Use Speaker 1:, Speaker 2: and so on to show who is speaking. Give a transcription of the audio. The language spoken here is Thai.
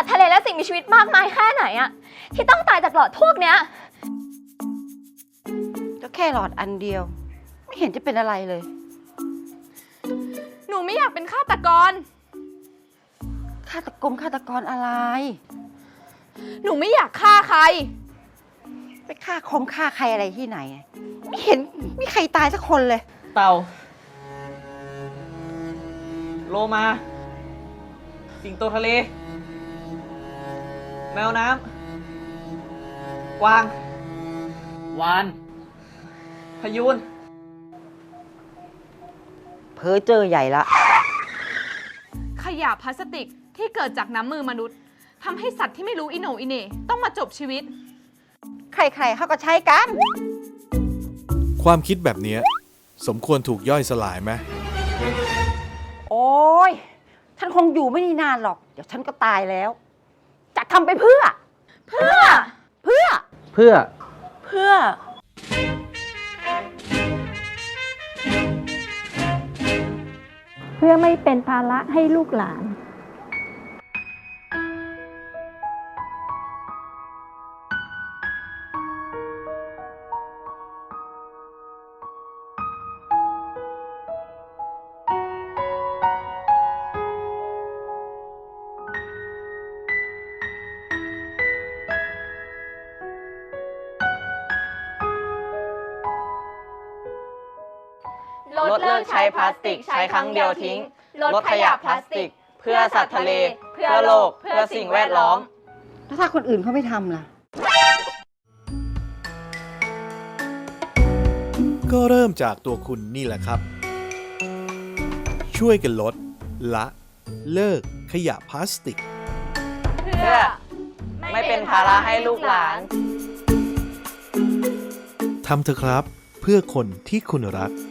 Speaker 1: ตว์ทะเลและสิ่งมีชีวิตมากมายแค่ไหนอะที่ต้องตายจากหลอดพวกเนี้ย
Speaker 2: ก็แค่หลอดอันเดียวไม่เห็นจะเป็นอะไรเลย
Speaker 3: หนูไม่อยากเป็นฆาตกร
Speaker 2: ฆาตกรอะไร
Speaker 3: หนูไม่อยากฆ่าใคร
Speaker 2: ไปฆ่าใครอะไรที่ไหนไม่เห็นมีใครตายสักคนเลย
Speaker 4: เต่าโลมาสิงโตทะเลแมวน้ำกวางวานพยูน
Speaker 2: เพ้อเจ้อใหญ่ละ
Speaker 3: ขยะพลาสติกที่เกิดจากน้ำมือมนุษย์ทำให้สัตว์ที่ไม่รู้อิโหนอิเหน่ต้องมาจบชีวิต
Speaker 2: ใครๆเขาก็ใช้กัน
Speaker 5: ความคิดแบบนี้สมควรถูกย่อยสลายไหม
Speaker 2: โอ้ยฉันคงอยู่ไม่นานหรอกเดี๋ยวฉันก็ตายแล้วจะทำไปเพื่อเพื่
Speaker 6: อไม่เป็นภาระให้ลูกหลาน
Speaker 1: ลดเลิกใช้พลาสติกใช้ครั้งเดียวทิ้งลดขยะพลาสติกเพื่อสัตว์ทะเลเพื่อโลกเพื่อสิ่งแวดล้อม
Speaker 2: แล้วถ้าคนอื่นเขาไม่ทำล่ะ
Speaker 5: ก็เริ่มจากตัวคุณนี่แหละครับช่วยกันลดละเลิกขยะพลาสติก
Speaker 1: เพื่อไม่เป็นภาระให้ลูกหลาน
Speaker 5: ทำเถอะครับเพื่อคนที่คุณรัก